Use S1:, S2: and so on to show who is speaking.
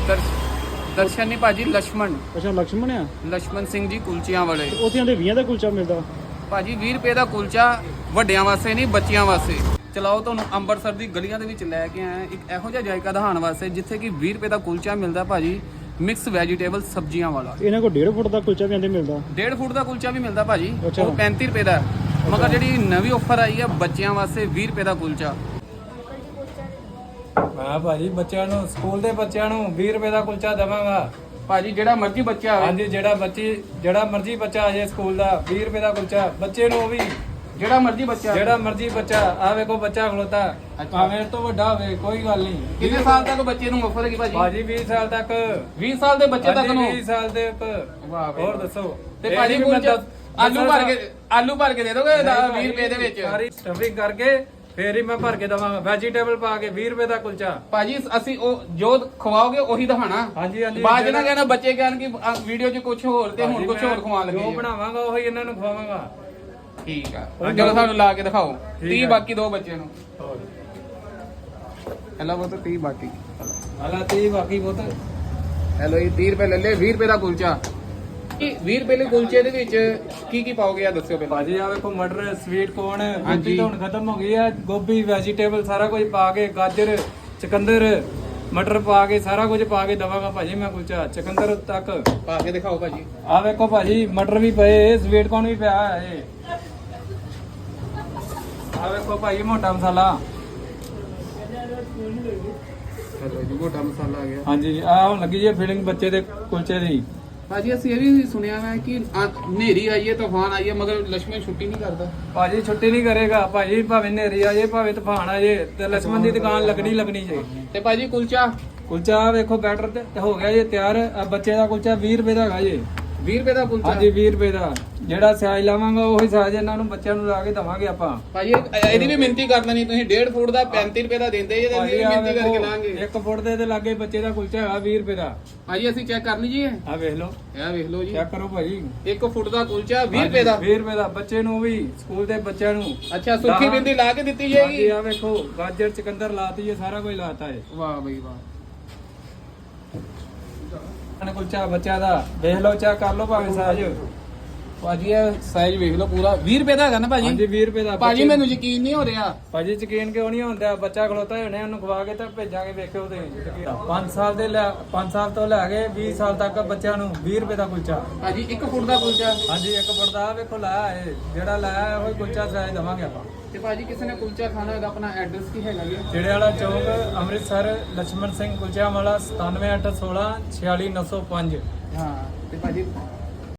S1: ਦਰਸ਼ਨ ਨਹੀਂ ਭਾਜੀ, ਲక్ష్మణ।
S2: ਅੱਛਾ ਲక్ష్మణ ਆ,
S1: ਲక్ష్మణ ਸਿੰਘ ਜੀ ਕੁਲਚਿਆਂ ਵਾਲੇ।
S2: ਉੱਥੇ ਆਂਦੇ 20 ਦਾ ਕੁਲਚਾ ਮਿਲਦਾ
S1: ਭਾਜੀ। 20 ਰੁਪਏ ਦਾ ਕੁਲਚਾ ਵੱਡਿਆਂ ਵਾਸਤੇ ਨਹੀਂ, ਬੱਚਿਆਂ ਵਾਸਤੇ। ਚਲਾਓ, ਤੁਹਾਨੂੰ ਅੰਮ੍ਰਿਤਸਰ ਦੀ ਗਲੀਆਂ ਦੇ ਵਿੱਚ ਲੈ ਕੇ ਆਏ ਇੱਕ ਇਹੋ ਜਿਹਾ ਜਾਇਕਾ ਦਿਖਾਉਣ ਵਾਸਤੇ ਜਿੱਥੇ ਕਿ 20 ਰੁਪਏ ਦਾ ਕੁਲਚਾ ਮਿਲਦਾ ਭਾਜੀ, ਮਿਕਸ ਵੈਜੀਟੇਬਲ ਸਬਜ਼ੀਆਂ ਵਾਲਾ।
S2: ਇਹਨਾਂ ਕੋਲ 1.5 ਫੁੱਟ ਦਾ ਕੁਲਚਾ ਵੀ ਆਂਦੇ ਮਿਲਦਾ।
S1: 1.5 ਫੁੱਟ ਦਾ ਕੁਲਚਾ ਵੀ ਮਿਲਦਾ ਭਾਜੀ,
S2: ਅੱਛਾ।
S1: ਉਹ 35 ਰੁਪਏ ਦਾ। ਮਗਰ ਜਿਹੜੀ ਨਵੀਂ ਆਫਰ ਆਈ ਹੈ ਬੱਚਿਆਂ ਵਾਸਤੇ 20 ਰੁਪਏ ਦਾ ਕੁਲਚਾ।
S3: ਹਾਂ ਭਾਜੀ, ਬੱਚਿਆਂ ਨੂੰ, ਸਕੂਲ ਦੇ ਬੱਚਿਆਂ ਨੂੰ 20 ਰੁਪਏ ਦਾ ਕੁਲਚਾ ਦੇਵਾਂਗਾ
S1: ਭਾਜੀ। ਜਿਹੜਾ ਮਰਜ਼ੀ ਬੱਚਾ ਆਵੇ,
S3: ਹਾਂਜੀ, ਜਿਹੜਾ ਮਰਜ਼ੀ ਬੱਚਾ ਆ ਜਾਏ ਸਕੂਲ ਦਾ 20 ਰੁਪਏ ਦਾ ਕੁਲਚਾ ਬੱਚੇ ਨੂੰ। ਉਹ ਵੀ
S1: ਜਿਹੜਾ ਮਰਜ਼ੀ ਬੱਚਾ
S3: ਆ ਵੇਖੋ ਬੱਚਾ ਖਲੋਤਾ, ਭਾਵੇਂ ਤੋਂ ਵੱਡਾ ਹੋਵੇ ਕੋਈ ਗੱਲ ਨਹੀਂ।
S1: ਕਿੰਨੇ ਸਾਲ ਤੱਕ ਬੱਚੇ ਨੂੰ ਆਫਰ ਹੈਗੀ ਭਾਜੀ?
S3: ਭਾਜੀ 20 ਸਾਲ ਤੱਕ।
S1: 20 ਸਾਲ ਦੇ ਬੱਚੇ ਤੱਕ ਨੂੰ?
S3: 20 ਸਾਲ ਦੇ
S1: ਵਾਹ ਬਈ।
S3: ਹੋਰ ਦੱਸੋ।
S1: ਤੇ ਭਾਜੀ ਕੁਲਚਾ ਆਲੂ ਭਰ ਕੇ ਦੇ ਦੋਗੇ 20 ਰੁਪਏ ਦੇ ਵਿੱਚ?
S3: ਸਾਰੀ ਸਟਫਿੰਗ ਕਰਕੇ ਫੇਰ ਹੀ ਮੈਂ ਭਰ ਕੇ ਦਵਾਂਗਾ, ਵੈਜੀਟੇਬਲ ਪਾ ਕੇ 20 ਰੁਪਏ ਦਾ ਕੁਲਚਾ।
S1: ਭਾਜੀ ਅਸੀਂ ਉਹ ਜੋ ਖਵਾਓਗੇ ਉਹੀ ਦਿਖਾਣਾ।
S3: ਹਾਂਜੀ ਹਾਂਜੀ।
S1: ਬਾਅਦ ਨਾ ਕਹਿਣਾ ਬੱਚੇ ਕਹਿਣ ਕਿ ਵੀਡੀਓ 'ਚ ਕੁਝ ਹੋਰ ਤੇ ਹੁਣ ਕੁਝ ਹੋਰ ਖਵਾਉਣ ਲੱਗੇ।
S3: ਜੋ ਬਣਾਵਾਂਗਾ ਉਹੀ ਇਹਨਾਂ ਨੂੰ ਖਵਾਵਾਂਗਾ।
S1: ਠੀਕ ਆ, ਚਲੋ ਸਾਨੂੰ ਲਾ ਕੇ ਦਿਖਾਓ। 30 ਬਾਕੀ ਦੋ ਬੱਚੇ ਨੂੰ। ਹੈਲੋ ਉਹ ਤਾਂ 30 ਬਾਕੀ।
S3: ਹਾਲਾ 30 ਬਾਕੀ ਬਹੁਤ।
S1: ਹੈਲੋ ਇਹ 30 ਰੁਪਏ ਲੈ ਲੈ, 20 ਰੁਪਏ ਦਾ ਕੁਲਚਾ। 20 ਰੁਪਏ ਦੇ ਕੁਲਚੇ ਦੇ ਵਿੱਚ ਕੀ ਪਾਓਗੇ ਆ ਦੱਸਿਓ ਪਹਿਲਾਂ।
S3: ਭਾਜੀ ਆ ਵੇਖੋ, ਮਟਰ, ਸਵੀਟ ਕੋਰਨ, ਗੋਭੀ ਤਾਂ ਹੁਣ ਖਤਮ ਹੋ ਗਈ ਆ। ਗੋਭੀ, ਵੈਜੀਟੇਬਲ ਸਾਰਾ ਕੁਝ ਪਾ ਕੇ, ਗਾਜਰ, ਚਕੰਦਰ, ਮਟਰ ਪਾ ਕੇ ਸਾਰਾ ਕੁਝ ਪਾ ਕੇ ਦਵਾਂਗਾ ਭਾਜੀ ਮੈਂ ਕੁਲਚਾ, ਚਕੰਦਰ ਤੱਕ
S1: ਪਾ ਕੇ ਦਿਖਾਓ ਭਾਜੀ।
S3: ਆ ਵੇਖੋ ਭਾਜੀ, ਮਟਰ ਵੀ ਪਏ, ਸਵੀਟ ਕੋਰਨ ਵੀ ਪਿਆ ਹੈ। ਆ ਵੇਖੋ ਭਾਜੀ, ਮੋਟਾ ਮਸਾਲਾ।
S1: ਚਲੋ ਜੀ, ਮੋਟਾ ਮਸਾਲਾ ਆ ਗਿਆ।
S3: ਹਾਂਜੀ, ਆ ਹੁਣ ਲੱਗੀ ਜੀ ਫੀਲਿੰਗ ਬੱਚੇ ਦੇ ਕੁਲਚੇ ਦੀ।
S1: ਭਾਜੀ ਅਸੀਂ ਇਹ ਵੀ ਸੁਣਿਆ ਹੈ ਕਿ ਹਨੇਰੀ ਆਈ ਹੈ, ਤੂਫਾਨ ਆਈ ਹੈ, ਮਗਰ ਲక్ష్మణ ਛੁੱਟੀ ਨਹੀਂ ਕਰਦਾ।
S3: ਭਾਜੀ ਛੁੱਟੀ ਨਹੀਂ ਕਰੇਗਾ ਭਾਜੀ, ਭਾਵੇਂ ਹਨੇਰੀ ਆ ਜਾਏ, ਭਾਵੇਂ ਤੂਫਾਨ ਆ ਜਾਏ, ਤੇ ਲక్ష్మణ ਦੀ ਦੁਕਾਨ ਲੱਗਣੀ ਜੇ।
S1: ਤੇ ਭਾਜੀ
S3: ਕੁਲਚਾ ਵੇਖੋ ਬੈਟਰ ਤੇ ਹੋ ਗਿਆ ਜੀ ਤਿਆਰ। ਆ ਬੱਚੇ ਦਾ ਕੁਲਚਾ 20 ਰੁਪਏ ਦਾ ਹੈਗਾ ਜੀ।
S1: 20 ਰੁਪਏ ਦਾ ਕੁਲਚਾ?
S3: ਹਾਂਜੀ 20 ਰੁਪਏ ਦਾ। ਜਿਹੜਾ ਸਾਈਜ਼ ਲਾਵਾਂਗਾ ਉਹੀ ਸਾਈਜ਼ ਇਹਨਾਂ ਨੂੰ ਬੱਚਿਆਂ ਨੂੰ ਲਾ ਕੇ ਦਵਾਂਗੇ ਆਪਾਂ।
S1: ਭਾਜੀ ਇਹਦੀ ਵੀ ਮਿਹਨਤੀ ਕਰ ਲੈਣੀ ਤੁਸੀਂ। 1.5 ਫੁੱਟ ਦਾ 35 ਰੁਪਏ ਦਾ ਦਿੰਦੇ ਜੇ, ਤੇ ਮਿਹਨਤੀ ਕਰਕੇ ਲਾਂਗੇ।
S3: 1 ਫੁੱਟ ਦੇ ਲਾਗੇ ਬੱਚੇ ਦਾ ਕੁਲਚਾ ਹੈਗਾ 20 ਰੁਪਏ ਦਾ।
S1: ਭਾਜੀ ਅਸੀਂ ਚੈੱਕ ਕਰਨੀ ਜੀ।
S3: ਆ ਵੇਖ ਲਓ,
S1: ਇਹ ਵੇਖ ਲਓ ਜੀ,
S3: ਚੈੱਕ ਕਰੋ ਭਾਜੀ।
S1: 1 ਫੁੱਟ ਦਾ ਕੁਲਚਾ 20 ਰੁਪਏ ਦਾ।
S3: 20 ਰੁਪਏ ਦਾ ਬੱਚੇ ਨੂੰ ਵੀ, ਸਕੂਲ ਦੇ ਬੱਚਿਆਂ ਨੂੰ।
S1: ਅੱਛਾ, ਸੁੱਕੀ ਬਿੰਦੀ ਲਾ ਕੇ ਦਿੱਤੀ ਜਾਏਗੀ।
S3: ਆ ਵੇਖੋ, ਗਾਜਰ, ਚਕੰਦਰ ਲਾਤੀ ਹੈ, ਸਾਰਾ ਕੁਝ ਲਾਤਾ ਹੈ।
S1: ਵਾਹ ਬਈ ਵਾਹ।
S3: ਕੁਲਚਾ ਬੱਚਿਆਂ ਦਾ ਵੇਖ ਲਓ, ਚੈੱਕ ਕਰ ਲਓ ਭਾਵੇਂ ਸਾਈਜ਼।
S1: ਭਾਜੀ ਇਹ ਸਾਈਜ਼ ਵੇਖ ਲਓ ਪੂਰਾ 20 ਰੁਪਏ ਦਾ ਹੈਗਾ ਨਾ ਭਾਜੀ?
S3: ਹਾਂਜੀ 20 ਰੁਪਏ ਦਾ।
S1: ਭਾਜੀ ਮੈਨੂੰ ਯਕੀਨ ਨਹੀਂ ਹੋ ਰਿਹਾ।
S3: ਭਾਜੀ ਯਕੀਨ ਕਿਉਂ ਨਹੀਂ ਹੁੰਦਾ? ਬੱਚਾ ਖਲੋਤਾ ਹੋਣੇ, ਉਹਨੂੰ ਖਵਾ ਕੇ ਤਾਂ ਭੇਜਾਂਗੇ। ਵੇਖਿਓ ਤੁਸੀਂ 5 ਸਾਲ ਤੋਂ ਲੈ ਕੇ 20 ਸਾਲ ਤੱਕ ਬੱਚਿਆਂ ਨੂੰ 20 ਰੁਪਏ ਦਾ ਕੁਲਚਾ।
S1: ਭਾਜੀ 1 ਫੁੱਟ ਦਾ ਕੁਲਚਾ?
S3: ਹਾਂਜੀ 1 ਫੁੱਟ ਦਾ। ਵੇਖੋ ਲਾਇਆ ਹੈ, ਜਿਹੜਾ ਲਾਇਆ ਉਹ ਕੁਲਚਾ ਸਾਈਜ਼ ਦਵਾਂਗੇ ਆਪਾਂ।
S1: ਤੇ ਭਾਜੀ ਕਿਸੇ ਨੇ ਕੁਲਚਾ ਖਾਣਾ ਹੋਗਾ, ਆਪਣਾ ਐਡਰੈਸ ਕੀ ਹੈਗਾ ਜੀ?
S3: ਜਿਹੜੇ ਵਾਲਾ ਚੌਕ, ਅੰਮ੍ਰਿਤਸਰ, ਲక్ష్మణ ਸਿੰਘ ਕੁਲਚਾ ਵਾਲਾ 97816 46905।
S1: ਹਾਂ। ਤੇ ਭਾਜੀ